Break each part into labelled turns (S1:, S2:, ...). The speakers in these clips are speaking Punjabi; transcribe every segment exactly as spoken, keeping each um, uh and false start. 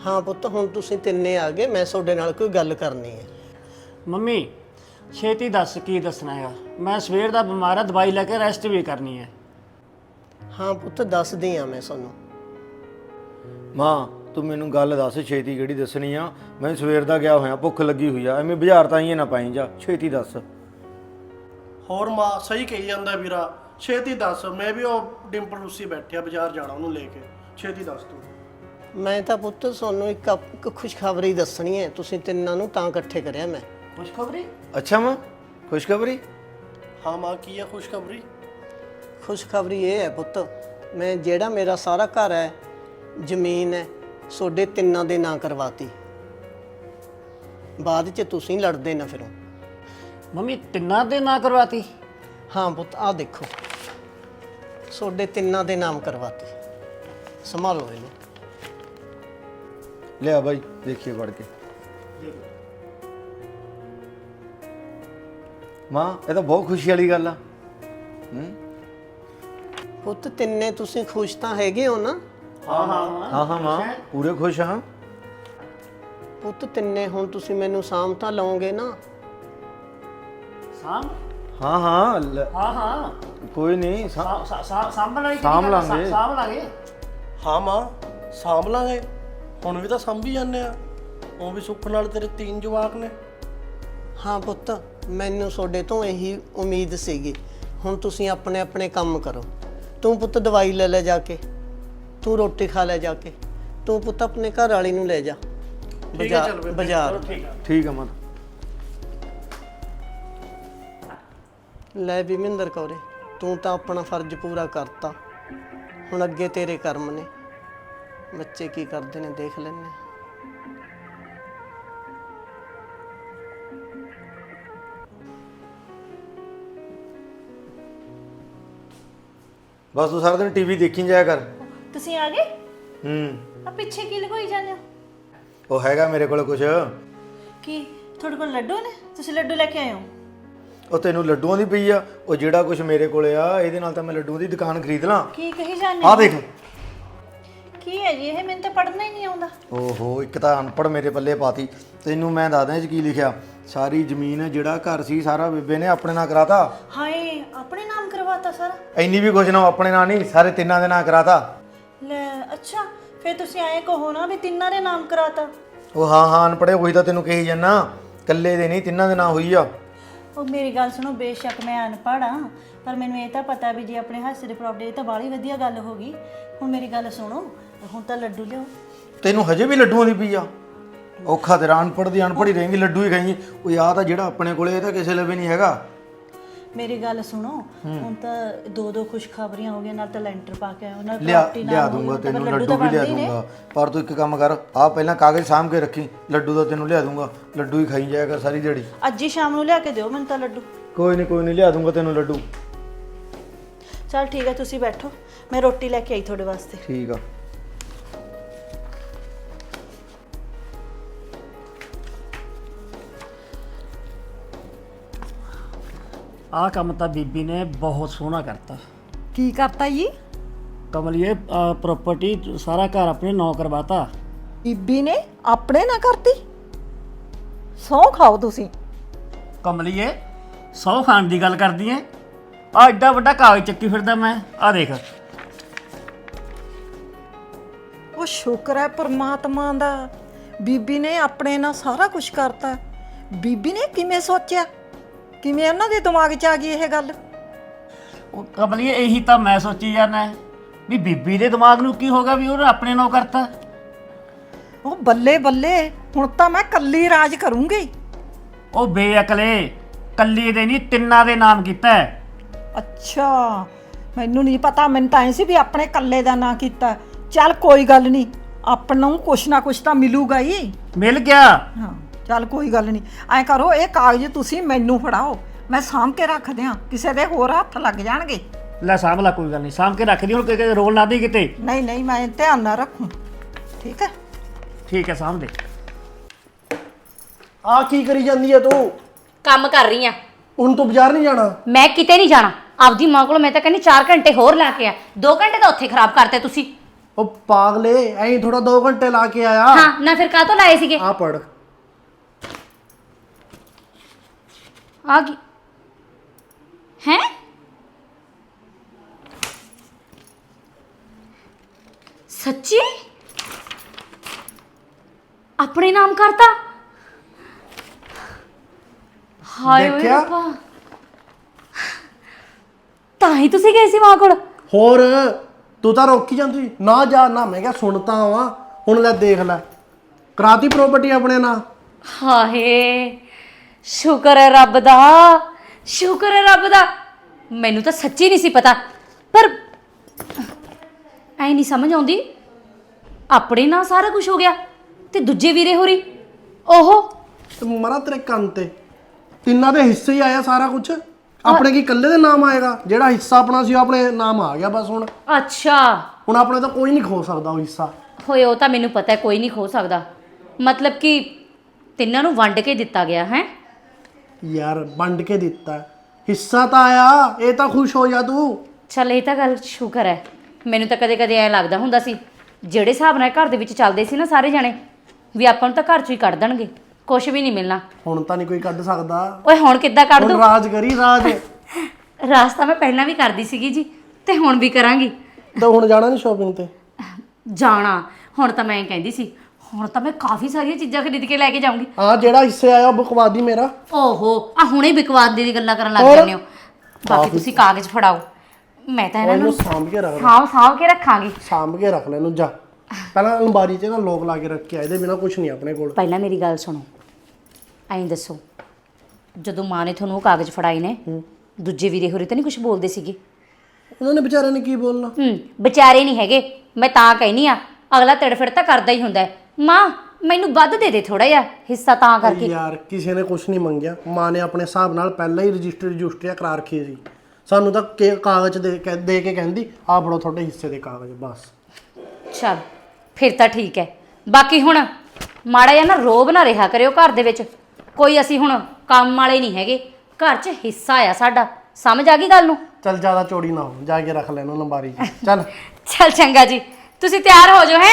S1: हाँ पुत्त हुण तुसीं तिन्ने आ गए, मैं तुहाडे नाल कोई गल करनी है।
S2: ਮੰਮੀ ਛੇਤੀ ਦੱਸ ਕੀ ਦੱਸਣਾ ਹੈਗਾ। ਮੈਂ ਸਵੇਰ ਦਾ ਬਿਮਾਰ ਆ, ਦਵਾਈ ਲੈ ਕੇ ਰੈਸਟ ਵੀ ਕਰਨੀ ਹੈ।
S1: हाँ पुत्त दसदी हाँ मैं तुहानूं।
S3: मां तू मैनू गल दस छेती किहड़ी दसनी आ। मैं सवेर दा गया होया, भुख लगी हुई आ, एवें बाजार ताईं ना पाई जा, छेती दस।
S4: ਹੋਰ ਮਾਂ ਸਹੀ ਕਹੀ ਜਾਂਦਾ ਵੀਰਾ, ਛੇਤੀ ਦੱਸ। ਮੈਂ ਵੀ ਉਹ ਡਿੰਪਲ ਰੂਸੀ ਬੈਠਿਆ ਬਾਜ਼ਾਰ ਜਾਣਾ ਉਹਨੂੰ ਲੈ ਕੇ, ਛੇਤੀ ਦੱਸ ਤੂੰ।
S1: मैं तो पुत्त तुहानूं एक एक खुशखबरी दसनी है, तुसीं तिन्नां नूं तां इकट्ठे करिया मैं।
S2: ਖੁਸ਼ਖਬਰੀ?
S3: अच्छा मां खुशखबरी?
S4: ਹਾਂ ਮਾਂ ਕੀ ਹੈ ਖੁਸ਼ਖਬਰੀ?
S1: खुशखबरी ये है पुत्त, मैं जेड़ा मेरा सारा घर है, ਜ਼ਮੀਨ है, सोडे तिन्नां दे नां करवाती। बाद च तुसीं लड़दे ना फिरो।
S2: ਮੰਮੀ ਤਿੰਨਾਂ ਦੇ ਨਾਂ ਕਰਵਾਤੀ?
S1: हाँ पुत्त आ देखो, सोडे तिन्नां दे नाम करवाती। संभालो इहनूं।
S3: लिया भाई देखिए पढ़ के। मां ये तो बहुत खुशी वाली गल आ। हम्म
S1: पुत्त तिन्ने तुसीं खुश तां हैगे हो ना?
S2: ਹਾਂ ਹਾਂ
S3: हाँ हाँ मां पूरे खुश हाँ।
S1: ਪੁੱਤ ਤਿੰਨੇ ਹੁਣ ਤੁਸੀਂ ਮੈਨੂੰ ਸਾਂਭ ਤਾਂ ਲਓਗੇ ਨਾ?
S2: ਸਾਂਭ?
S3: हाँ हाँ ल-
S2: ਹਾਂ ਹਾਂ
S3: कोई नहीं सा-
S2: ਸਾ- ਸਾ- ਸਾਂਭਣ ਵਾਲੀ
S3: ਸਾਂਭ
S2: ਕਿਹੜੀ ਗੱਲ ਆ?
S3: ਲਾਂਗੇ।
S2: ਸਾਂਭ ਲਾਂਗੇ।
S4: ਹਾਂ ਮਾਂ ਸਾਂਭ ਲਾਂਗੇ, ਹੁਣ ਵੀ ਤਾਂ ਸਾਂਭੀ ਜਾਂਦੇ ਆ। ਉਹ ਵੀ ਸੁੱਖ ਨਾਲ ਤੇਰੇ ਤਿੰਨ ਜਵਾਕ ਨੇ।
S1: ਹਾਂ ਪੁੱਤ, ਮੈਨੂੰ ਤੁਹਾਡੇ ਤੋਂ ਇਹੀ ਉਮੀਦ ਸੀਗੀ। ਹੁਣ ਤੁਸੀਂ ਆਪਣੇ ਆਪਣੇ ਕੰਮ ਕਰੋ। ਤੂੰ ਪੁੱਤ ਦਵਾਈ ਲੈ ਲੈ ਜਾ ਕੇ, ਤੂੰ ਰੋਟੀ ਖਾ ਲੈ ਜਾ ਕੇ, ਤੂੰ ਪੁੱਤ ਆਪਣੇ ਘਰ ਵਾਲੀ ਨੂੰ ਲੈ ਜਾ
S4: ਠੀਕ ਹੈ ਚੱਲ ਬੇਬੇ,
S1: ਬਾਜ਼ਾਰ।
S2: ਠੀਕ ਆ।
S3: ठीक है मां।
S1: ਲੈ ਵੀ ਮਹਿੰਦਰ ਕੌਰੇ, ਤੂੰ ਤਾਂ ਆਪਣਾ ਫਰਜ਼ ਪੂਰਾ ਕਰਤਾ। ਹੁਣ ਅੱਗੇ ਤੇਰੇ ਕਰਮ ਨੇ, ਬੱਚੇ ਕੀ ਕਰਦੇ ਨੇ ਦੇਖ ਲੈਣੇ।
S3: बस तू सारा दिन टीवी देखी जाया कर।
S5: ਤੁਸੀਂ ਆ ਗਏ?
S3: हम्म
S5: ਆ ਪਿੱਛੇ ਕੀ ਲਗੋਈ ਜਾਂਦੇ ਹੋ?
S3: ਉਹ ਹੈਗਾ ਮੇਰੇ ਕੋਲ ਕੁਛ।
S5: ਕੀ ਤੁਹਾਡੇ ਕੋਲ ਲੱਡੂ ਨੇ? ਤੁਸੀਂ ਲੱਡੂ ਲੈ ਕੇ ਆਏ ਹੋ?
S3: ਉਹ ਤੈਨੂੰ ਲੱਡੂਆਂ ਦੀ ਪਈ ਆ? ਉਹ ਜਿਹੜਾ ਕੁਛ ਮੇਰੇ ਕੋਲੇ ਆ ਇਹਦੇ ਨਾਲ ਤਾਂ ਮੈਂ ਲੱਡੂਆਂ ਦੀ ਦੁਕਾਨ ਖਰੀਦ ਲਾਂ।
S5: ਕੀ ਕਹੀ ਜਾਂਦੇ
S3: ਆ
S5: ਹੋ?
S3: ਦੇਖ।
S5: ਕੀ ਹੈ ਜੀ ਇਹ? ਮੈਨੂੰ ਤਾਂ ਪੜ੍ਹਨਾ ਹੀ ਨਹੀਂ ਆਉਂਦਾ।
S3: ਓਹੋ ਇੱਕ ਤਾਂ ਅਨਪੜ੍ਹ ਮੇਰੇ ਪੱਲੇ ਪਾਤੀ। ਤੈਨੂੰ ਮੈਂ ਦੱਸਦਾ ਇਹ 'ਚ ਕੀ ਲਿਖਿਆ। ਸਾਰੀ ਜ਼ਮੀਨ ਜਿਹੜਾ ਘਰ ਸੀ ਸਾਰਾ ਬੇਬੇ ਨੇ ਆਪਣੇ ਨਾਂ ਕਰਾਤਾ।
S5: ਹਾਏ, ਆਪਣੇ ਨਾਮ ਕਰਵਾਤਾ ਸਾਰਾ?
S3: ਇੰਨੀ ਵੀ ਕੁਛ ਨਾ, ਆਪਣੇ ਨਾਂ ਨਹੀਂ, ਸਾਰੇ ਤਿੰਨਾਂ ਦੇ ਨਾਂ ਕਰਾਤਾ।
S5: ਲੈ ਅੱਛਾ, ਫਿਰ ਤੁਸੀਂ ਐਂ ਕਹੋ ਨਾ ਵੀ ਤਿੰਨਾਂ ਦੇ ਨਾਮ ਕਰਾਤਾ।
S3: ਉਹ ਹਾਂ ਹਾਂ ਅਨਪੜ੍ਹੇ ਉਹੀ ਤਾਂ ਤੈਨੂੰ ਕਹੀ ਜਾਂਦਾ, ਇਕੱਲੇ ਦੇ ਨਹੀਂ ਤਿੰਨਾਂ ਦੇ ਨਾਂ ਹੋਈ ਆ।
S5: ਉਹ ਮੇਰੀ ਗੱਲ ਸੁਣੋ, ਬੇਸ਼ੱਕ ਮੈਂ ਅਨਪੜ੍ਹ ਹਾਂ, ਪਰ ਮੈਨੂੰ ਇਹ ਤਾਂ ਪਤਾ ਵੀ ਜੇ ਆਪਣੇ ਹਾਸੇ ਦੇ ਪ੍ਰਾਪਰਟੀ ਤਾਂ ਬਾਹਲੀ ਵਧੀਆ ਗੱਲ ਹੋ ਗਈ। ਹੁਣ ਮੇਰੀ ਗੱਲ ਸੁਣੋ, ਹੁਣ ਤਾਂ ਲੱਡੂ ਲਿਓ।
S3: ਤੈਨੂੰ ਹਜੇ ਵੀ ਲੱਡੂਆਂ ਦੀ ਪਈ ਆ? ਔਖਾ ਤੇਰਾ, ਅਨਪੜ੍ਹ ਦੀ ਅਨਪੜ੍ਹ ਹੀ ਰਹੇਂਗੀ, ਲੱਡੂ ਹੀ ਖਾਈਂ। ਉਹ ਯਾਰ ਤਾਂ ਜਿਹੜਾ ਆਪਣੇ ਕੋਲੇ ਇਹ ਤਾਂ ਕਿਸੇ ਲਵੇ ਨਹੀਂ ਹੈਗਾ।
S5: ਮੇਰੀ ਗੱਲ ਸੁਣੋ, ਹੁਣ ਤਾਂ ਦੋ ਦੋ ਖੁਸ਼ਖਬਰੀਆਂ ਹੋ ਗਈਆਂ, ਨਾਲ ਤਾਂ ਲੈਂਟਰ ਪਾ ਕੇ ਆਇਆ, ਨਾਲ
S3: ਲਿਆ
S5: ਪ੍ਰਾਪਰਟੀ
S3: ਲਿਆ
S5: ਨਾਲ
S3: ਦੂੰਗਾ ਤੈਨੂੰ, ਲੱਡੂ ਵੀ ਲਿਆ ਦੂੰਗਾ। ਪਰ ਤੂੰ ਇੱਕ ਕੰਮ ਕਰ, ਆ ਪਹਿਲਾਂ ਕਾਗਜ਼ ਸਾਂਭ ਕੇ ਰੱਖੀ, ਲੱਡੂ ਦਾ ਤੈਨੂੰ ਲਿਆ ਦੂੰਗਾ। ਲੱਡੂ ਹੀ ਖਾਈ ਜਾਇਆ ਕਰ ਸਾਰੀ ਦਿਹਾੜੀ।
S5: ਅੱਜ ਹੀ ਸ਼ਾਮ ਨੂੰ ਲਿਆ ਕੇ ਦਿਓ ਮੈਨੂੰ ਤਾਂ ਲੱਡੂ।
S3: ਕੋਈ ਨਹੀਂ ਕੋਈ ਨਹੀਂ ਲਿਆ ਦੂੰਗਾ ਤੈਨੂੰ ਲੱਡੂ।
S5: ਚਲ ਠੀਕ ਹੈ, ਤੁਸੀਂ ਬੈਠੋ, ਮੈਂ ਰੋਟੀ ਲੈ ਕੇ ਆਈ ਤੁਹਾਡੇ ਵਾਸਤੇ।
S3: ਠੀਕ ਆ।
S2: ਆਹ ਕੰਮ ਤਾਂ ਬੀਬੀ ਨੇ ਬਹੁਤ ਸੋਹਣਾ ਕਰਤਾ।
S6: ਕੀ ਕਰਤਾ ਜੀ?
S2: ਕਮਲੀਏ ਪ੍ਰਾਪਰਟੀ ਸਾਰਾ ਘਰ ਆਪਣੇ ਨਾਂ ਕਰਵਾਤਾ।
S6: ਬੀਬੀ ਨੇ ਆਪਣੇ ਨਾ ਕਰਤੀ? ਸਹੁੰ ਖਾਓ ਤੁਸੀਂ।
S2: ਕਮਲੀਏ ਸੌ ਖਾਣ ਦੀ ਗੱਲ ਕਰਦੀ ਐ? ਆ ਐਡਾ ਵੱਡਾ ਕਾਗਜ਼ ਚੱਕੀ ਫਿਰਦਾ ਮੈਂ, ਆ ਦੇਖ।
S6: ਉਹ ਸ਼ੁਕਰ ਹੈ ਪਰਮਾਤਮਾ ਦਾ, ਬੀਬੀ ਨੇ ਆਪਣੇ ਨਾਲ ਸਾਰਾ ਕੁਝ ਕਰਤਾ। ਬੀਬੀ ਨੇ ਕਿਵੇਂ ਸੋਚਿਆ, ਕਿਵੇਂ ਉਹਨਾਂ ਦੇ ਦਿਮਾਗ 'ਚ ਆ ਗਈ ਇਹ ਗੱਲ?
S2: ਉਹ ਕਮਲੀਏ ਇਹੀ ਤਾਂ ਮੈਂ ਸੋਚੀ ਜਾਂਦਾ ਵੀ ਬੀਬੀ ਦੇ ਦਿਮਾਗ ਨੂੰ ਕੀ ਹੋਗਾ ਵੀ ਉਹਨੇ ਆਪਣੇ ਨਾਂ ਕਰਤਾ।
S6: ਉਹ ਬੱਲੇ ਬੱਲੇ, ਹੁਣ ਤਾਂ ਮੈਂ ਕੱਲੀ ਰਾਜ ਕਰੂੰਗੀ।
S2: ਉਹ ਬੇਅਕਲੇ, ਕੱਲੀ ਦੇ ਨਹੀਂ ਤਿੰਨਾਂ ਦੇ ਨਾਮ ਕੀਤਾ ਹੈ।
S6: ਅੱਛਾ, ਮੈਨੂੰ ਨਹੀਂ ਪਤਾ, ਮੈਨੂੰ ਤਾਂ ਐ ਸੀ ਵੀ ਆਪਣੇ ਕੱਲੇ ਦਾ ਨਾਂ ਕੀਤਾ। ਚੱਲ ਕੋਈ ਗੱਲ ਨਹੀਂ, ਆਪਾਂ ਨੂੰ ਕੁਛ ਨਾ ਕੁਛ ਤਾਂ ਮਿਲੂਗਾ ਹੀ।
S2: ਮਿਲ ਗਿਆ।
S6: ਹਾਂ ਚੱਲ ਕੋਈ ਗੱਲ ਨਹੀਂ, ਐਂ ਕਰੋ ਇਹ ਕਾਗਜ਼ ਤੁਸੀਂ ਮੈਨੂੰ ਫੜਾਓ, ਮੈਂ ਸਾਂਭ ਕੇ ਰੱਖ ਦਿਆਂ, ਕਿਸੇ ਦੇ ਹੋਰ ਹੱਥ ਲੱਗ ਜਾਣਗੇ।
S2: ਲੈ ਸਾਂਭ ਲਾ, ਕੋਈ ਗੱਲ ਨਹੀਂ, ਸਾਂਭ ਕੇ ਰੱਖਦੀ। ਹੁਣ ਕਿਤੇ ਰੋਲ ਨਾ ਦੇ ਕਿਤੇ।
S6: ਨਹੀਂ ਨਹੀਂ, ਮੈਂ ਧਿਆਨ ਨਾਲ ਰੱਖੂ, ਠੀਕ ਹੈ?
S2: ਠੀਕ ਹੈ, ਸਾਂਭ ਦੇ।
S4: ਆ ਕੀ ਕਰੀ ਜਾਂਦੀ ਆ ਤੂੰ?
S7: ਕੰਮ ਕਰ ਰਹੀ ਆ।
S4: ਹੁਣ ਤੂੰ ਬਾਜ਼ਾਰ ਨਹੀਂ ਜਾਣਾ?
S7: ਮੈਂ ਕਿਤੇ ਨਹੀਂ ਜਾਣਾ। ਆਪਦੀ ਮਾਂ ਕੋਲ ਮੈਂ ਤਾਂ ਕਹਿੰਦੀ ਚਾਰ ਘੰਟੇ ਹੋਰ ਲਾ ਕੇ ਆ। ਦੋ ਘੰਟੇ ਤਾਂ ਉੱਥੇ ਖਰਾਬ ਕਰਤੇ ਤੁਸੀਂ।
S4: ਉਹ ਪਾਗਲੇ ਐਂ ਥੋੜਾ ਦੋ ਘੰਟੇ ਲਾ ਕੇ ਆਇਆ।
S7: ਹਾਂ ਨਾ ਫਿਰ ਕਾਹ ਤੋਂ ਲਾਏ ਸੀਗੇ?
S4: ਆ ਪੜ।
S7: ਆ ਗਈ ਹੈ। ਸੱਚੀ ਆਪਣੇ ਨਾਮ ਕਰਤਾ? ਹਾਏ ਓਏ
S4: ਦੇਖਿਆ?
S7: ਰੱਬਾ, ਤਾਂ ਹੀ ਤੁਸੀਂ ਗਏ ਸੀ ਮਾਂ ਕੋਲ?
S4: ਹੋਰ ਤੂੰ ਤਾਂ ਰੋਕੀ ਜਾਂਦੀ ਨਾ ਜਾ ਨਾ। ਮੈਂ ਕਿਹਾ ਸੁਣਤਾ ਵਾ, ਹੁਣ ਲੈ ਦੇਖ ਲੈ ਕਰਾਤੀ ਪ੍ਰਾਪਰਟੀ ਆਪਣੇ ਨਾਂ।
S7: ਹਾਏ ਸ਼ੁਕਰ ਹੈ ਰੱਬ ਦਾ, ਸ਼ੁਕਰ ਹੈ ਰੱਬ ਦਾ। ਮੈਨੂੰ ਤਾਂ ਸੱਚੀ ਨਹੀਂ ਸੀ ਪਤਾ, ਪਰ ਐ ਨਹੀਂ ਸਮਝ ਆਉਂਦੀ ਆਪਣੇ ਨਾਲ ਸਾਰਾ ਕੁਝ ਹੋ ਗਿਆ ਤੇ ਦੂਜੇ ਵੀਰੇ ਹੋਰੀ ਉਹ
S4: ਤੇ ਮਰਾ ਤੇਰੇ ਕੰਨ ਤੇ ਤਿੰਨਾਂ ਦੇ ਹਿੱਸੇ ਹੀ ਆਇਆ ਸਾਰਾ ਕੁਝ। ਆਪਣੇ ਕੀ ਇਕੱਲੇ ਦੇ ਨਾਮ ਆਏਗਾ? ਜਿਹੜਾ ਹਿੱਸਾ ਆਪਣਾ ਸੀ ਉਹ ਆਪਣੇ ਨਾਮ ਆ ਗਿਆ ਬਸ। ਹੁਣ
S7: ਅੱਛਾ
S4: ਹੁਣ ਆਪਣੇ ਤਾਂ ਕੋਈ ਨਹੀਂ ਖੋ ਸਕਦਾ ਉਹ ਹਿੱਸਾ।
S7: ਹੋਏ, ਉਹ ਤਾਂ ਮੈਨੂੰ ਪਤਾ ਹੈ ਕੋਈ ਨਹੀਂ ਖੋ ਸਕਦਾ। ਮਤਲਬ ਕਿ ਤਿੰਨਾਂ ਨੂੰ ਵੰਡ ਕੇ ਦਿੱਤਾ ਗਿਆ ਹੈ?
S4: ਯਾਰ ਵੰਡ ਕੇ ਦਿੱਤਾ, ਹਿੱਸਾ ਤਾਂ ਆਇਆ। ਇਹ ਤਾਂ ਖੁਸ਼ ਹੋ ਜਾ ਤੂੰ।
S7: ਚੱਲ ਇਹ ਤਾਂ ਗੱਲ ਸ਼ੁਕਰ ਹੈ। ਮੈਨੂੰ ਤਾਂ ਕਦੇ ਕਦੇ ਐ ਲੱਗਦਾ ਹੁੰਦਾ ਸੀ ਜਿਹੜੇ ਹਿਸਾਬ ਨਾਲ ਘਰ ਦੇ ਵਿੱਚ ਚੱਲਦੇ ਸੀ ਨਾ ਸਾਰੇ ਜਾਣੇ, ਵੀ ਆਪਾਂ ਨੂੰ ਤਾਂ ਘਰ ਚੋਂ ਹੀ ਕੱਢ ਦੇਣਗੇ, ਕੁਝ ਵੀ ਨਹੀਂ ਮਿਲਣਾ।
S4: ਹੁਣ ਤਾਂ ਨਹੀਂ ਕੋਈ ਕੱਢ ਸਕਦਾ।
S7: ਓਏ ਹੁਣ ਕਿੱਦਾਂ ਕੱਢ
S4: ਹੁਣ
S7: ਦੂੰ?
S4: ਰਾਜ ਕਰੀ ਰਾਜ।
S7: ਰਾਸਤਾ ਮੈਂ ਪਹਿਲਾਂ ਵੀ ਕਰਦੀ ਸੀਗੀ ਜੀ, ਤੇ ਹੁਣ ਵੀ ਕਰਾਂਗੀ।
S4: ਤਾਂ ਹੁਣ ਜਾਣਾ ਨਹੀਂ ਸ਼ਾਪਿੰਗ ਤੇ?
S7: ਜਾਣਾ ਹੁਣ ਤਾਂ ਮੈਂ ਕਹਿੰਦੀ ਸੀ, ਹੁਣ ਤਾਂ ਮੈਂ ਕਾਫੀ ਸਾਰੀਆਂ ਚੀਜ਼ਾਂ ਖਰੀਦ ਕੇ ਲੈ ਕੇ ਜਾਊਂਗੀ।
S4: ਹਾਂ ਜਿਹੜਾ ਹਿੱਸੇ ਆਇਆ ਉਹ ਬਕਵਾ ਦੀ ਮੇਰਾ।
S7: ਓਹੋ ਆ ਹੁਣੇ ਬਿਕਵਾਦ ਦੀ ਗੱਲਾਂ ਕਰਨ ਲੱਗ
S4: ਹੋਰ?
S7: ਜਾਂਦੇ ਹੋ। ਬਾਕੀ ਤੁਸੀਂ ਕਾਗਜ਼ ਫੜਾਓ, ਮੈਂ ਤਾਂ ਇਹਨਾਂ
S4: ਇਹਨੂੰ
S7: ਨੂੰ
S4: ਸਾਂਭ ਕੇ ਰੱਖ ਲੈ।
S7: ਹਾਂ ਸਾਂਭ ਕੇ ਰੱਖਾਂਗੀ।
S4: ਸਾਂਭ ਕੇ ਰੱਖ ਲੈ ਇਹਨੂੰ। ਜਾ ਪਹਿਲਾਂ ਅਲਮਾਰੀ 'ਚ ਨਾ ਲੋਕ ਲਾ ਕੇ ਰੱਖ ਕੇ ਆ, ਇਹਦੇ ਬਿਨਾ ਕੁਝ ਨਹੀਂ ਆਪਣੇ ਕੋਲ।
S7: ਪਹਿਲਾਂ ਮੇਰੀ ਗੱਲ ਸੁਣੋ, ਐਂ ਦੱਸੋ ਜਦੋਂ ਮਾਂ ਨੇ ਤੁਹਾਨੂੰ ਉਹ ਕਾਗਜ਼ ਫੜਾਏ ਨੇ, ਦੂਜੇ ਵੀਰੇ ਹੋਰੇ ਤਾਂ ਨਹੀਂ ਕੁਝ ਬੋਲਦੇ ਸੀਗੇ?
S4: ਉਹਨਾਂ ਨੇ ਵਿਚਾਰਿਆਂ ਨੇ ਕੀ ਬੋਲਣਾ?
S7: ਹੂੰ ਵਿਚਾਰੇ ਨਹੀਂ ਹੈਗੇ, ਮੈਂ ਤਾਂ ਕਹਿਨੀ ਆ ਅਗਲਾ ਤੜਫੜ ਤਾਂ ਕਰਦਾ ਹੀ ਹੁੰਦਾ ਹੈ। ਮਾਂ ਮੈਨੂੰ ਵੱਧ ਦੇ ਦੇ ਥੋੜਾ ਜਿਹਾ ਹਿੱਸਾ ਤਾਂ ਕਰਕੇ।
S4: ਯਾਰ ਕਿਸੇ ਨੇ ਕੁਝ ਨਹੀਂ ਮੰਗਿਆ। ਮਾਂ ਨੇ ਆਪਣੇ ਹਿਸਾਬ ਨਾਲ ਪਹਿਲਾਂ ਹੀ ਰਜਿਸਟਰ ਰਜਿਸਟਰੀਆ ਕਰਾ ਰੱਖੀ ਸੀ। ਸਾਨੂੰ ਤਾਂ ਕੇ- ਕਾਗਜ਼ ਦੇ ਕੇ ਦੇ ਕੇ ਕਹਿੰਦੀ ਆਹ ਫੜੋ ਤੁਹਾਡੇ ਹਿੱਸੇ ਦੇ ਕਾਗਜ਼ ਬਸ।
S7: ਚਲ ਫਿਰ ਤਾਂ ਠੀਕ ਹੈ। ਬਾਕੀ ਹੁਣ ਮਾੜਾ ਜਿਹਾ ਨਾ ਰੋਬ ਨਾ ਰਿਹਾ ਕਰਿਓ ਘਰ ਦੇ ਵਿੱਚ। ਕੋਈ ਅਸੀਂ ਹੁਣ ਕੰਮ ਵਾਲੇ ਨਹੀਂ ਹੈਗੇ, ਘਰ 'ਚ ਹਿੱਸਾ ਆ ਸਾਡਾ। ਸਮਝ ਆ ਗਈ ਗੱਲ ਨੂੰ?
S4: ਚੱਲ ਜ਼ਿਆਦਾ ਚੋੜੀ ਨਾ ਹੋ, ਜਾ ਕੇ ਰੱਖ ਲੈ ਇਹਨੂੰ ਅਲਮਾਰੀ 'ਚ। ਚੱਲ
S7: ਚਲ ਚੰਗਾ ਜੀ, ਤੁਸੀਂ ਤਿਆਰ ਹੋ ਜਾਓ। ਹੈ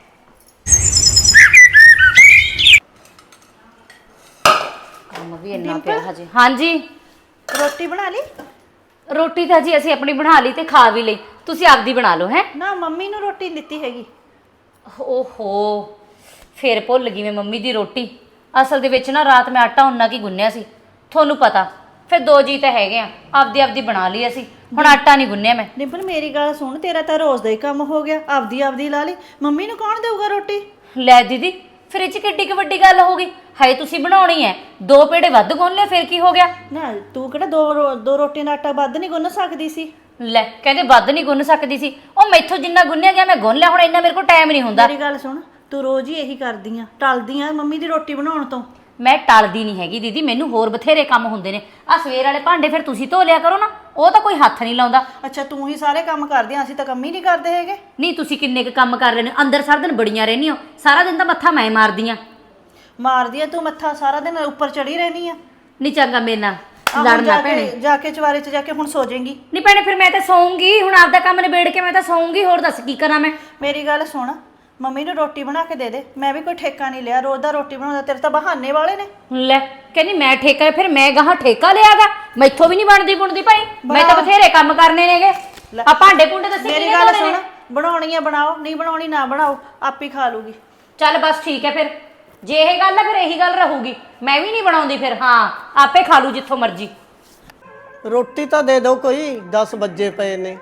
S7: ਕੰਮ ਵੀ ਇੰਨਾ ਪਿਆ ਹਜੇ। ਹਾਂਜੀ
S5: ਰੋਟੀ ਬਣਾ ਲਈ?
S7: ਰੋਟੀ ਤਾਂ ਜੀ ਅਸੀਂ ਆਪਣੀ ਬਣਾ ਲਈ ਤੇ ਖਾ ਵੀ ਲਈ, ਤੁਸੀਂ ਆਪਦੀ ਬਣਾ ਲਓ। ਹੈ
S5: ਨਾ ਮੰਮੀ ਨੂੰ ਰੋਟੀ ਨਹੀਂ ਦਿੱਤੀ ਹੈਗੀ।
S7: ਓਹੋ ਫੇਰ ਭੁੱਲ ਗਈ ਮੈਂ ਮੰਮੀ ਦੀ ਰੋਟੀ। ਅਸਲ ਦੇ ਵਿੱਚ ਨਾ ਰਾਤ ਮੈਂ ਆਟਾ ਉਨਾ ਕੀ ਗੁੰਨਿਆ ਸੀ, ਤੁਹਾਨੂੰ ਪਤਾ। ਫਿਰ ਦੋ ਜੀ ਤਾਂ ਹੈਗੇ ਆ, ਆਪਦੀ ਆਪਦੀ ਬਣਾ ਲਈ ਅਸੀਂ। ਹੁਣ ਆਟਾ ਨਹੀਂ ਗੁੰਨਿਆ ਮੈਂ।
S5: ਡਿੰਪਲ ਮੇਰੀ ਗੱਲ ਸੁਣ, ਤੇਰਾ ਤਾਂ ਰੋਜ਼ ਦਾ ਹੀ ਕੰਮ ਹੋ ਗਿਆ। ਆਪਦੀ ਆਪਦੀ ਲਾ ਲਈ, ਮੰਮੀ ਨੂੰ ਕੌਣ ਦੇਊਗਾ ਰੋਟੀ?
S7: ਲੈ ਦੀਦੀ ਫਿਰ ਇਹ 'ਚ ਕਿੱਡੀ ਕੁ ਵੱਡੀ ਗੱਲ ਹੋ ਗਈ? ਹਾਏ ਤੁਸੀਂ ਬਣਾਉਣੀ ਹੈ, ਦੋ ਪੇੜੇ ਵੱਧ ਗੁੰਨ ਲਿਆ, ਫਿਰ ਕੀ ਹੋ ਗਿਆ?
S5: ਨਾ ਤੂੰ ਕਿਹੜਾ ਦੋ ਰੋ- ਦੋ ਰੋਟੀਆਂ ਦਾ ਆਟਾ ਵੱਧ ਨਹੀਂ ਗੁੰਨ ਸਕਦੀ ਸੀ?
S7: ਲੈ ਕਹਿੰਦੇ ਵੱਧ ਨਹੀਂ ਗੁੰਨ ਸਕਦੀ ਸੀ। ਉਹ ਮੈਥੋਂ ਜਿੰਨਾ ਗੁੰਨਿਆ ਗਿਆ ਮੈਂ ਗੁੰਨ ਲਿਆ। ਹੁਣ ਇੰਨਾ ਮੇਰੇ ਕੋਲ ਟਾਈਮ ਨਹੀਂ ਹੁੰਦਾ।
S5: ਮੇਰੀ ਗੱਲ ਸੁਣ, ਤੂੰ ਰੋਜ਼ ਹੀ ਇਹੀ ਕਰਦੀ ਆ, ਟਲਦੀ ਆ ਮੰਮੀ ਦੀ ਰੋਟੀ ਬਣਾਉਣ ਤੋਂ।
S7: ਮੈਂ ਟਲਦੀ ਨਹੀਂ ਹੈਗੀ ਦੀਦੀ, ਮੈਨੂੰ ਹੋਰ ਬਥੇਰੇ ਕੰਮ ਹੁੰਦੇ ਨੇ। ਆ ਸਵੇਰ ਵਾਲੇ ਭਾਂਡੇ ਫਿਰ ਤੁਸੀਂ ਧੋ ਲਿਆ ਕਰੋ ਨਾ, ਉਹ ਤਾਂ ਕੋਈ ਹੱਥ ਨਹੀਂ ਲਾਉਂਦਾ।
S5: ਅੱਛਾ ਤੂੰ ਹੀ ਸਾਰੇ ਕੰਮ ਕਰਦੀ ਆ, ਅਸੀਂ ਤਾਂ ਕੰਮ ਹੀ ਨਹੀਂ ਕਰਦੇ ਹੈਗੇ।
S7: ਨਹੀਂ ਤੁਸੀਂ ਕਿੰਨੇ ਕੁ ਕੰਮ ਕਰ ਰਹੇ ਨੇ? ਅੰਦਰ ਸਾਰਾ ਦਿਨ ਬੜੀਆਂ ਰਹਿੰਦੀ ਹੋ, ਸਾਰਾ ਦਿਨ ਤਾਂ ਮੱਥਾ ਮੈਂ ਮਾਰਦੀ ਆ।
S5: ਮਾਰਦੀ ਆ ਤੂੰ ਮੱਥਾ, ਸਾਰਾ ਦਿਨ ਉੱਪਰ ਚੜੀ ਰਹਿਣੀ ਆ।
S7: ਨਹੀਂ ਚੰਗਾ ਮੇਰੇ ਨਾਲ
S5: ਆਹ ਹੁਣ
S7: ਲੜਨਾ
S5: ਜਾ ਕੇ-
S7: ਭੈਣੇ।
S5: ਜਾ ਕੇ ਚਵਾਰੇ 'ਚ ਜਾ ਕੇ ਹੁਣ ਸੋ ਜਾਏਂਗੀ।
S7: ਨਹੀਂ ਭੈਣੇ ਫਿਰ ਮੈਂ ਤਾਂ ਸੌਂਗੀ। ਹੁਣ ਆਪਦਾ ਕੰਮ ਨਿਬੇੜ ਕੇ ਮੈਂ ਤਾਂ ਸੌਂਗੀ। ਹੋਰ ਦੱਸ ਕੀ ਕਰਾਂ ਮੈਂ?
S5: ਮੇਰੀ ਗੱਲ ਸੁਣ, ਮੰਮੀ ਨੂੰ ਰੋਟੀ ਬਣਾ ਕੇ ਦੇ ਦੇ। ਮੈਂ ਵੀ ਕੋਈ ਠੇਕਾ ਨਹੀਂ ਲਿਆ, ਰੋਜ਼ ਦਾ ਰੋਟੀ ਬਣਾਉਂਦਾ। ਤੇਰੇ ਤਾਂ ਬਹਾਨੇ ਵਾਲੇ ਨੇ।
S7: ਲੈ ਕਹਿੰਦੀ ਮੈਂ ਠੇਕਾ, ਫਿਰ ਮੈਂ ਗਾਹਾਂ ਠੇਕਾ ਲਿਆਗਾ? ਮੈਥੋਂ ਵੀ ਨਹੀਂ ਬਣਦੀ ਬੁਣਦੀ ਭਾਈ, ਮੈਂ ਤਾਂ ਬਥੇਰੇ ਕੰਮ ਕਰਨੇ ਨੇਗੇ। ਆ ਭਾਂਡੇ ਭੁੰਡੇ ਦੱਸੀ
S5: ਮੇਰੀ ਗੱਲ ਸੁਣ, ਬਣਾਉਣੀ ਆ ਬਣਾਓ, ਨਹੀਂ ਬਣਾਉਣੀ ਨਾ ਬਣਾਓ, ਆਪੇ ਖਾ ਲੂਗੀ।
S7: ਚੱਲ ਬਸ ਠੀਕ ਹੈ ਫਿਰ, ਜੇ ਇਹ ਗੱਲ ਹੈ ਫਿਰ ਇਹੀ ਗੱਲ ਰਹੂਗੀ। ਮੈਂ ਵੀ ਨਹੀਂ ਬਣਾਉਂਦੀ ਫਿਰ। ਹਾਂ ਆਪੇ ਖਾ ਲੂ ਜਿੱਥੋਂ ਮਰਜ਼ੀ।
S1: ਰੋਟੀ ਤਾਂ ਦੇ ਦਿਓ ਕੋਈ, ਦਸ ਵੱਜੇ ਪਏ ਨੇ।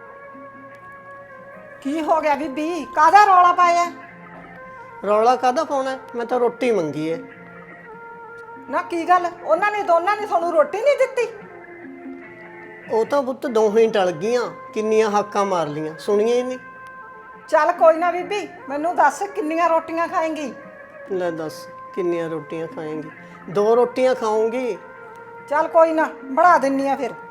S6: ਕੀ ਹੋ ਗਿਆ ਬੀਬੀ? ਕਾਹਦਾ ਰੌਲਾ ਪਾਇਆ?
S1: ਰੌਲਾ ਕਾਹਦਾ ਪਾਉਣਾ? ਮੈਂ ਤਾਂ ਰੋਟੀ ਮੰਗੀ ਹੈ।
S6: ਨਾ ਕੀ ਗੱਲ, ਉਹਨਾਂ ਨੇ ਦੋਨਾਂ ਨੇ ਤੁਹਾਨੂੰ ਰੋਟੀ ਨਹੀਂ ਦਿੱਤੀ?
S1: ਉਹ ਤਾਂ ਪੁੱਤ ਦੋਹੇ ਹੀ ਟਲ ਗਈਆਂ, ਕਿੰਨੀਆਂ ਹਾਕਾਂ ਮਾਰ ਲੀਆਂ, ਸੁਣੀਆਂ ਹੀ ਨਹੀਂ।
S6: ਚੱਲ ਕੋਈ ਨਾ ਬੀਬੀ, ਮੈਨੂੰ ਦੱਸ ਕਿੰਨੀਆਂ ਰੋਟੀਆਂ ਖਾਏਂਗੀ?
S1: ਲੈ ਦੱਸ ਕਿੰਨੀਆਂ ਰੋਟੀਆਂ ਖਾਏਂਗੀ? ਦੋ ਰੋਟੀਆਂ ਖਾਊਂਗੀ।
S6: ਚੱਲ ਕੋਈ ਨਾ, ਬਣਾ ਦਿੰਨੀ ਆ ਫਿਰ।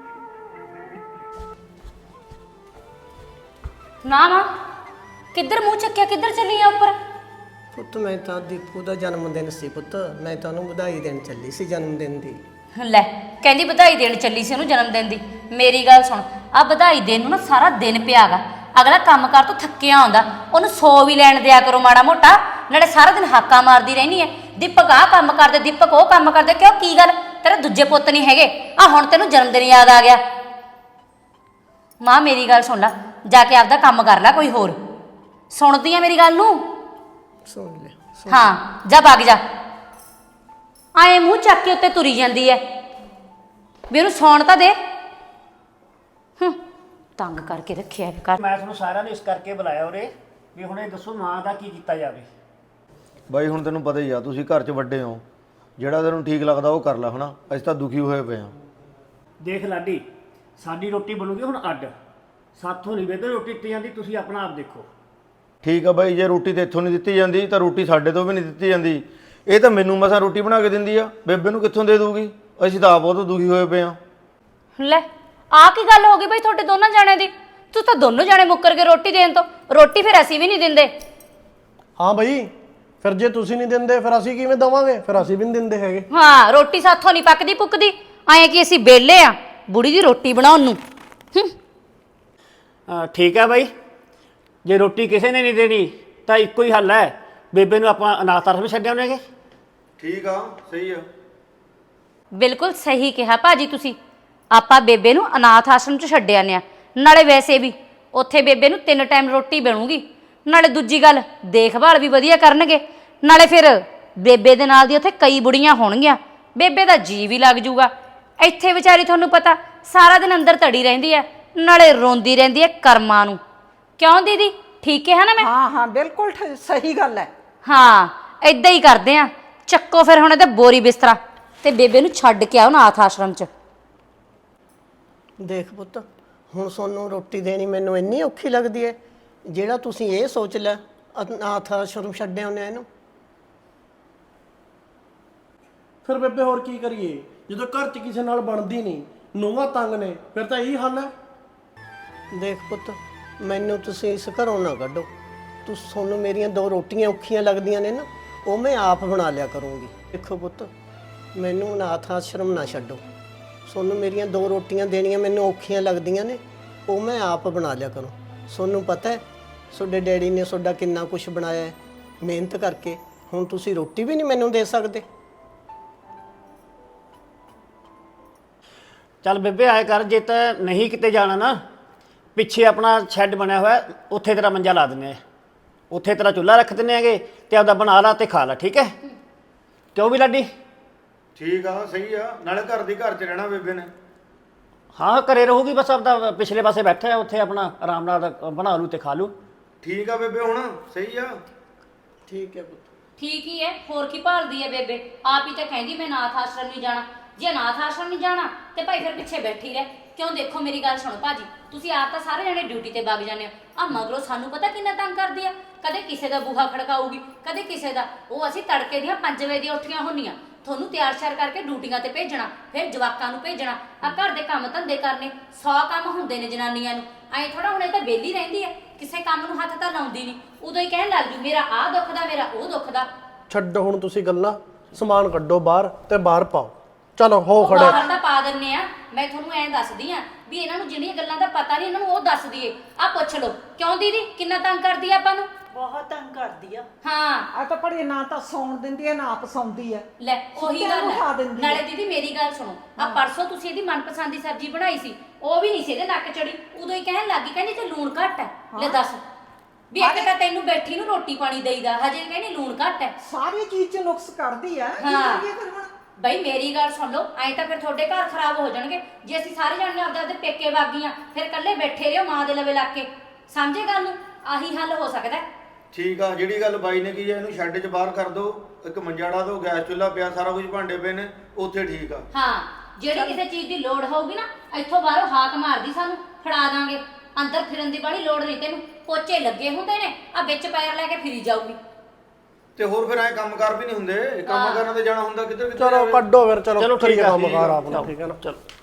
S7: ਨਾ ਨਾ ਕਿੱਧਰ ਮੂੰਹ ਚੱਕਿਆ, ਕਿੱਧਰ ਚੱਲੀ ਆ ਉੱਪਰ?
S1: ਪੁੱਤ ਮੈਂ ਤਾਂ ਦੀਪੂ ਦਾ ਜਨਮ ਦਿਨ ਸੀ ਪੁੱਤ, ਮੈਂ ਤਾਂ ਉਹਨੂੰ ਵਧਾਈ ਦੇਣ ਚੱਲੀ ਸੀ ਜਨਮ ਦਿਨ ਦੀ।
S7: ਲੈ ਕਹਿੰਦੀ ਵਧਾਈ ਦੇਣ ਚੱਲੀ ਸੀ ਉਹਨੂੰ ਜਨਮ ਦਿਨ ਦੀ। ਮੇਰੀ ਗੱਲ ਸੁਣ, ਆ ਵਧਾਈ ਦੇਣ ਨੂੰ ਨਾ ਸਾਰਾ ਦਿਨ ਪਿਆਗਾ। ਅਗਲਾ ਕੰਮ ਕਰ ਤੋਂ ਥੱਕਿਆ ਆਉਂਦਾ, ਉਹਨੂੰ ਸੌ ਵੀ ਲੈਣ ਦਿਆ ਕਰੋ ਮਾੜਾ ਮੋਟਾ। ਨਾਲੇ ਸਾਰਾ ਦਿਨ ਹਾਕਾਂ ਮਾਰਦੀ ਰਹਿਣੀ ਐ, ਦੀਪਕ ਆਹ ਕੰਮ ਕਰਦੇ, ਦੀਪਕ ਉਹ ਕੰਮ ਕਰਦੇ। ਕਿਉਂ, ਕੀ ਗੱਲ, ਤੇਰੇ ਦੂਜੇ ਪੁੱਤ ਨਹੀਂ ਹੈਗੇ? ਆ ਹੁਣ ਤੈਨੂੰ ਜਨਮ ਦਿਨ ਯਾਦ ਆ ਗਿਆ। ਮਾਂ ਮੇਰੀ ਗੱਲ ਸੁਣ ਲੈ, ਜਾ ਕੇ ਆਪਦਾ ਕੰਮ ਕਰ ਲੈ ਕੋਈ ਹੋਰ। ਸੁਣਦੀ ਆ ਮੇਰੀ ਗੱਲ ਨੂੰ?
S1: ਸੁਣ ਲਿਆ।
S7: ਹਾਂ ਜਾ ਵਗ ਜਾ। ਆਏ ਮੂੰਹ ਚੱਕ ਕੇ ਉੱਤੇ ਤੁਰੀ ਜਾਂਦੀ ਐ, ਵੀ ਉਹਨੂੰ ਸੌਣ ਤਾਂ ਦੇ। ਹੂੰ, ਤੰਗ ਕਰਕੇ ਰੱਖਿਆ ਕਰ।
S2: ਮੈਂ ਤੁਹਾਨੂੰ ਸਾਰਿਆਂ ਨੂੰ ਇਸ ਕਰਕੇ ਬੁਲਾਇਆ ਉਰੇ ਵੀ ਹੁਣ ਇਹ ਦੱਸੋ ਮਾਂ ਦਾ ਕੀ ਕੀਤਾ ਜਾਵੇ।
S3: ਬਾਈ ਹੁਣ ਤੈਨੂੰ ਪਤਾ ਹੀ ਆ, ਤੁਸੀਂ ਘਰ 'ਚ ਵੱਡੇ ਹੋ, ਜਿਹੜਾ ਤੈਨੂੰ ਠੀਕ ਲੱਗਦਾ ਉਹ ਕਰ ਲੈ ਹਨਾ। ਅਸੀਂ ਤਾਂ ਦੁਖੀ ਹੋਏ ਪਏ ਹਾਂ।
S2: ਦੇਖ ਲਾਡੀ, ਸਾਡੀ ਰੋਟੀ ਬਣੂਗੀ ਹੁਣ ਅੱਡ, ਸਾਥੋਂ ਨਹੀਂ ਬੇਬੇ ਰੋਟੀ ਦਿੱਤੀ ਜਾਂਦੀ, ਤੁਸੀਂ ਆਪਣਾ ਆਪ ਦੇਖੋ।
S3: ਠੀਕ ਆ ਬਾਈ, ਜੇ ਰੋਟੀ ਤੇ ਇੱਥੋਂ ਨਹੀਂ ਦਿੱਤੀ ਜਾਂਦੀ ਤਾਂ ਰੋਟੀ ਸਾਡੇ ਤੋਂ ਵੀ ਨਹੀਂ ਦਿੱਤੀ ਜਾਂਦੀ। ਇਹ ਤਾਂ ਮੈਨੂੰ ਮਸਾਂ ਰੋਟੀ ਬਣਾ ਕੇ ਦਿੰਦੀ ਆ, ਬੇਬੇ ਨੂੰ ਕਿੱਥੋਂ ਦੇ ਦੂਗੀ? ਅਸੀਂ ਤਾਂ ਆਪ ਬਹੁਤ ਦੁਖੀ ਹੋਏ ਪਏ ਹਾਂ।
S7: ਲੈ ਆ ਕੀ ਗੱਲ ਹੋ ਗਈ ਬਈ ਤੁਹਾਡੇ ਦੋਨਾਂ ਜਾਣਿਆਂ ਦੀ? ਤੂੰ ਤਾਂ ਦੋਨੋਂ ਜਾਣੇ ਮੁੱਕਰ ਕੇ ਰੋਟੀ ਦੇਣ ਤੋਂ। ਰੋਟੀ ਫਿਰ ਅਸੀਂ ਵੀ ਨਹੀਂ ਦਿੰਦੇ।
S4: ਹਾਂ ਬਈ, ਫਿਰ ਜੇ ਤੁਸੀਂ ਨਹੀਂ ਦਿੰਦੇ ਫਿਰ ਅਸੀਂ ਕਿਵੇਂ ਦੇਵਾਂਗੇ? ਫਿਰ ਅਸੀਂ ਵੀ ਨਹੀਂ ਦਿੰਦੇ ਹੈਗੇ।
S7: ਹਾਂ, ਰੋਟੀ ਸਾਥੋਂ ਨਹੀਂ ਪੱਕਦੀ ਪੁੱਕਦੀ। ਐਂ ਕਿ ਅਸੀਂ ਬੇਲੇ ਆ ਬੁੜੀ ਦੀ ਰੋਟੀ ਬਣਾਉਣ ਨੂੰ। ਹੂੰ,
S2: ਅਹ ਠੀਕ ਹੈ ਬਾਈ, ਜੇ ਰੋਟੀ ਕਿਸੇ ਨੇ ਨਹੀਂ ਦੇਣੀ ਤਾਂ ਇੱਕੋ ਹੀ ਹੱਲ ਹੈ, ਬੇਬੇ ਨੂੰ ਆਪਾਂ ਅਨਾਥ ਆਸ਼ਰਮ ਛੱਡ ਆਉਣੇਗੇ।
S3: ਠੀਕ ਆ, ਸਹੀ ਆ।
S7: ਬਿਲਕੁਲ ਸਹੀ ਕਿਹਾ ਭਾਜੀ ਤੁਸੀਂ। ਆਪਾਂ ਬੇਬੇ ਨੂੰ ਅਨਾਥ ਆਸ਼ਰਮ 'ਚ ਛੱਡ ਆਉਂਦੇ ਆ। ਨਾਲੇ ਵੈਸੇ ਵੀ ਉੱਥੇ ਬੇਬੇ ਨੂੰ ਤਿੰਨ ਟਾਈਮ ਰੋਟੀ ਬਣੂਗੀ। ਨਾਲੇ ਦੂਜੀ ਗੱਲ, ਦੇਖਭਾਲ ਵੀ ਵਧੀਆ ਕਰਨਗੇ। ਨਾਲੇ ਫਿਰ ਬੇਬੇ ਦੇ ਨਾਲ ਦੀ ਉੱਥੇ ਕਈ ਬੁੜੀਆਂ ਹੋਣਗੀਆਂ, ਬੇਬੇ ਦਾ ਜੀ ਵੀ ਲੱਗ ਜੂਗਾ। ਇੱਥੇ ਵਿਚਾਰੀ ਤੁਹਾਨੂੰ ਪਤਾ ਸਾਰਾ ਦਿਨ ਅੰਦਰ ਧੜੀ ਰਹਿੰਦੀ ਹੈ, ਨਾਲੇ ਰੋਂਦੀ ਰਹਿੰਦੀ ਹੈ ਕਰਮਾਂ ਨੂੰ। ਕਿਉਂ ਦੀਦੀ, ਠੀਕ ਹੈ ਨਾ ਮੈਂ?
S6: ਹਾਂ ਹਾਂ ਬਿਲਕੁਲ ਠ- ਸਹੀ ਗੱਲ ਹੈ।
S7: ਹਾਂ, ਏਦਾਂ ਹੀ ਕਰਦੇ ਆ। ਚੱਕੋ ਫਿਰ ਹੁਣ ਇਹਦਾ ਬੋਰੀ ਬਿਸਤਰਾ ਤੇ ਬੇਬੇ ਨੂੰ ਛੱਡ ਕੇ ਆਓ ਅਨਾਥ ਆਸ਼ਰਮ 'ਚ।
S1: ਦੇਖ ਪੁੱਤ, ਹੁਣ ਤੁਹਾਨੂੰ ਰੋਟੀ ਦੇਣੀ ਮੈਨੂੰ ਇੰਨੀ ਔਖੀ ਲੱਗਦੀ ਹੈ, ਜਿਹੜਾ ਤੁਸੀਂ ਇਹ ਸੋਚ ਲੈ ਅਨਾਥ ਆਸ਼ਰਮ ਛੱਡਿਆ ਉਹਨੇ ਇਹਨੂੰ।
S4: ਫਿਰ ਬੇਬੇ ਹੋਰ ਕੀ ਕਰੀਏ, ਜਦੋਂ ਘਰ 'ਚ ਕਿਸੇ ਨਾਲ ਬਣਦੀ ਨਹੀਂ, ਨੂੰਹਾਂ ਤੰਗ ਨੇ, ਫਿਰ ਤਾਂ ਇਹੀ ਹੱਲ ਹੈ।
S1: ਦੇਖ ਪੁੱਤ, ਮੈਨੂੰ ਤੁਸੀਂ ਇਸ ਘਰੋਂ ਨਾ ਕੱਢੋ। ਤੂੰ ਤੁਹਾਨੂੰ ਮੇਰੀਆਂ ਦੋ ਰੋਟੀਆਂ ਔਖੀਆਂ ਲੱਗਦੀਆਂ ਨੇ ਨਾ, ਉਹ ਮੈਂ ਆਪ ਬਣਾ ਲਿਆ ਕਰੂੰਗੀ। ਦੇਖੋ ਪੁੱਤ, ਮੈਨੂੰ ਅਨਾਥ ਆਸ਼ਰਮ ਨਾ ਛੱਡੋ। ਤੁਹਾਨੂੰ ਮੇਰੀਆਂ ਦੋ ਰੋਟੀਆਂ ਦੇਣੀਆਂ ਮੈਨੂੰ ਔਖੀਆਂ ਲੱਗਦੀਆਂ ਨੇ, ਉਹ ਮੈਂ ਆਪ ਬਣਾ ਲਿਆ ਕਰੂੰ। ਤੁਹਾਨੂੰ ਪਤਾ ਹੈ ਤੁਹਾਡੇ ਡੈਡੀ ਨੇ ਤੁਹਾਡਾ ਕਿੰਨਾ ਕੁਝ ਬਣਾਇਆ ਹੈ ਮਿਹਨਤ ਕਰਕੇ। ਹੁਣ ਤੁਸੀਂ ਰੋਟੀ ਵੀ ਨਹੀਂ ਮੈਨੂੰ ਦੇ ਸਕਦੇ।
S2: ਚੱਲ ਬੇਬੇ ਆਏ ਕਰ, ਜੇ ਤਾਂ ਨਹੀਂ ਕਿਤੇ ਜਾਣਾ ਨਾ, ਪਿੱਛੇ ਆਪਣਾ ਸ਼ੈੱਡ ਬਣਿਆ ਹੋਇਆ, ਉੱਥੇ ਤੇਰਾ ਮੰਜਾ ਲਾ ਦਿੰਦੇ ਆ, ਉੱਥੇ ਤੇਰਾ ਚੁੱਲ੍ਹਾ ਰੱਖ ਦਿੰਦੇ ਹੈਗੇ, ਤੇ ਆਪਦਾ ਬਣਾ ਲਾ ਤੇ ਖਾ ਲਾ। ਠੀਕ ਹੈ? ਕਿਉਂ ਵੀ ਲਾਡੀ?
S3: ਠੀਕ ਆ, ਸਹੀ ਆ। ਨਾਲੇ ਘਰ ਦੀ ਘਰ 'ਚ ਰਹਿਣਾ ਬੇਬੇ ਨੇ।
S2: ਹਾਂ, ਘਰੇ ਰਹੂਗੀ, ਬਸ ਆਪਦਾ ਪਿਛਲੇ ਪਾਸੇ ਬੈਠਾ, ਉੱਥੇ ਆਪਣਾ ਆਰਾਮ ਨਾਲ ਬਣਾ ਲੂ ਤੇ ਖਾ ਲੂ।
S3: ਠੀਕ ਆ ਬੇਬੇ, ਹੁਣ ਸਹੀ ਆ।
S1: ਠੀਕ ਹੈ ਪੁੱਤ।
S7: ਠੀਕ ਹੀ ਹੈ, ਹੋਰ ਕੀ ਭਾਲਦੀ ਹੈ ਬੇਬੇ? ਆਪ ਹੀ ਤਾਂ ਕਹਿੰਦੀ ਮੈਂ ਅਨਾਥ ਆਸ਼ਰਮ ਨਹੀਂ ਜਾਣਾ। ਜੇ ਅਨਾਥ ਆਸ਼ਰਮ ਨਹੀਂ ਜਾਣਾ ਤੇ ਭਾਈ ਫਿਰ ਪਿੱਛੇ ਬੈਠੀ ਰਹਿ। ਕਿਉਂ, ਦੇਖੋ ਮੇਰੀ ਗੱਲ ਸੁਣੋ ਭਾਜੀ, ਤੁਸੀਂ ਆਪ ਤਾਂ ਸਾਰੇ ਜਣੇ ਡਿਊਟੀ ਤੇ ਵਗ ਜਾਂਦੇ ਹੋ। ਆ ਮਗਰੋਂ ਸਾਨੂੰ ਪਤਾ ਕਿੰਨਾ ਤੰਗ ਕਰਦੀ ਆ। ਕਦੇ ਕਿਸੇ ਦਾ ਬੂਹਾ ਖੜਕਾਊਗੀ, ਕਦੇ ਕਿਸੇ ਦਾ। ਉਹ ਅਸੀਂ ਤੜਕੇ ਦੀਆਂ ਪੰਜ ਵਜੇ ਦੀਆਂ ਉੱਠੀਆਂ ਹੁੰਦੀਆਂ, ਤੁਹਾਨੂੰ ਤਿਆਰ ਸ਼ਿਆਰ ਕਰਕੇ ਡਿਊਟੀਆਂ ਤੇ ਭੇਜਣਾ, ਫਿਰ ਜਵਾਕਾਂ ਨੂੰ ਭੇਜਣਾ, ਆ ਘਰ ਦੇ ਕੰਮ ਧੰਦੇ ਕਰਨੇ। ਸੌ ਕੰਮ ਹੁੰਦੇ ਨੇ ਜਨਾਨੀਆਂ ਨੂੰ। ਐਂ ਥੋੜਾ ਹੁਣ ਇਹ ਤਾਂ ਵਿਹਲੀ ਰਹਿੰਦੀ ਹੈ, ਕਿਸੇ ਕੰਮ ਨੂੰ ਹੱਥ ਤਾਂ ਲਾਉਂਦੀ ਨਹੀਂ। ਉਦੋਂ ਹੀ ਕਹਿਣ ਲੱਗ ਜੂ ਮੇਰਾ ਆਹ ਦੁੱਖ ਦਾ, ਮੇਰਾ ਉਹ ਦੁੱਖ ਦਾ।
S4: ਛੱਡੋ ਹੁਣ ਤੁਸੀਂ ਗੱਲਾਂ, ਸਮਾਨ ਕੱਢੋ ਬਾਹਰ ਤੇ ਬਾਹਰ ਪਾਓ। ਚਲੋ ਹੋ
S7: ਉਹ
S4: ਖੜੇ।
S7: ਬਾਹਰ ਤਾਂ ਪਾ ਦਿੰਨੇ ਆ। ਮੈਂ ਤੁਹਾਨੂੰ ਐਂ ਦੱਸਦੀ ਆ ਵੀ ਇਹਨਾਂ ਨੂੰ ਜਿਹੜੀਆਂ ਗੱਲਾਂ ਦਾ ਪਤਾ ਨਹੀਂ, ਇਹਨਾਂ ਨੂੰ ਉਹ ਦੱਸ ਦਈਏ। ਆ ਪੁੱਛ ਲਓ, ਕਿਉਂ ਦੀਦੀ ਕਿੰਨਾ ਤੰਗ ਕਰਦੀ ਆ ਆਪਾਂ ਨੂੰ?
S5: ਬਹੁਤ ਤੰਗ ਕਰਦੀ ਆ।
S7: ਹਾਂ
S6: ਆ ਤਾਂ ਪੜੀ ਨਾ ਤਾਂ ਸੌਣ ਦਿੰਦੀ ਹੈ, ਨਾ ਆਪ ਸੌਂਦੀ ਹੈ।
S7: ਲੈ ਉਹੀ
S6: ਸੁੱਤਿਆਂ
S7: ਗੱਲ
S6: ਨੂੰ ਉਠਾ
S7: ਹੈ।
S6: ਦਿੰਦੀ ਆ।
S7: ਨਾਲੇ ਦੀਦੀ ਮੇਰੀ ਗੱਲ ਸੁਣੋ, ਆ ਪਰਸੋਂ ਤੁਸੀਂ ਇਹਦੀ ਮਨਪਸੰਦ ਦੀ ਸਬਜ਼ੀ ਬਣਾਈ ਸੀ, ਉਹ ਵੀ ਨਹੀਂ ਸੀ ਇਹਦੇ ਨੱਕ ਚੜੀ। ਉਦੋਂ ਹੀ ਕਹਿਣ ਲੱਗੀ, ਕਹਿੰਦੀ ਤੇ ਲੂਣ ਘੱਟ ਹੈ। ਲੈ ਦੱਸ, ਵੀ ਇੱਕ ਤਾਂ ਤੈਨੂੰ ਬੈਠੀ ਨੂੰ ਰੋਟੀ ਪਾਣੀ ਦੇਈਦਾ, ਹਜੇ ਕਹਿੰਦੀ ਲੂਣ ਘੱਟ ਹੈ।
S6: ਸਾਰੀ ਚੀਜ਼ 'ਚ ਨੁਕਸ ਕੱਢਦੀ ਹੈ। ਕੀ
S7: ਹਾਂ।
S6: ਕਰੀਏ ਫਿਰ ਹੁਣ?
S7: ਬਈ ਮੇਰੀ ਗੱਲ ਸੁਣ ਲਓ, ਐਂ ਤਾਂ ਫਿਰ ਤੁਹਾਡੇ ਘਰ ਖਰਾਬ ਹੋ ਜਾਣਗੇ। ਜੇ ਅਸੀਂ ਸਾਰੇ ਜਾਣੇ ਆਪਦੇ ਆਪਦੇ ਪੇਕੇ ਵਾਗੀਆਂ, ਫਿਰ ਇਕੱਲੇ ਬੈਠੇ ਰਹੋ ਮਾਂ ਦੇ ਲਵੇ ਲੱਗ ਕੇ। ਸਮਝੇ ਗੱਲ ਨੂੰ? ਆਹੀ ਹੱਲ ਹੋ ਸਕਦਾ।
S3: ਠੀਕ ਆ, ਜਿਹੜੀ ਗੱਲ ਬਾਈ ਨੇ ਕੀ ਹੈ, ਇਹਨੂੰ ਸ਼ੈੱਡ 'ਚ ਬਾਹਰ ਕਰ ਦਿਓ, ਇੱਕ ਮੰਜਾ ਢਾ ਦਿਓ, ਗੈਸ ਚੁੱਲ੍ਹਾ ਪਿਆ, ਸਾਰਾ ਕੁਝ ਭਾਂਡੇ ਪਏ ਨੇ, ਉੱਥੇ ਠੀਕ ਆ।
S7: ਹਾਂ, ਜਿਹੜੀ ਕਿਸੇ ਚੀਜ਼ ਦੀ ਲੋੜ ਹੋਊਗੀ ਨਾ, ਇੱਥੋਂ ਬਾਹਰੋਂ ਹਾਕ ਮਾਰਦੀ ਸਾਨੂੰ ਫੜਾ ਦਾਂਗੇ। ਅੰਦਰ ਫਿਰਨ ਦੀ ਬੜੀ ਲੋੜ ਨਹੀਂ ਤੈਨੂੰ। ਪੋਚੇ ਲੱਗੇ ਹੁੰਦੇ ਨੇ, ਆ ਵਿੱਚ ਪੈਰ ਲੈ ਕੇ ਫਿਰੀ ਜਾਊਗੀ।
S3: ਤੇ ਹੋਰ ਫਿਰ ਐ ਕੰਮ ਕਾਰ ਵੀ ਨਹੀਂ ਹੁੰਦੇ, ਕੰਮ ਕਰਨ ਤੇ ਜਾਣਾ ਹੁੰਦਾ ਕਿੱਧਰ ਕਿੱਧਰ
S4: ਚਲੋ
S3: ਜਾਵੇ।
S4: ਕੱਢੋ ਫਿਰ। ਚਲੋ
S2: ਚਲੋ ਠੀਕ
S4: ਕਰੀਏ
S2: ਆ,
S4: ਕੰਮ
S2: ਠੀਕ ਆ,
S4: ਕਾਰ ਆਪਣਾ,
S2: ਚਲੋ,
S4: ਠੀਕ ਹੈ ਨਾ।
S2: ਚਲੋ।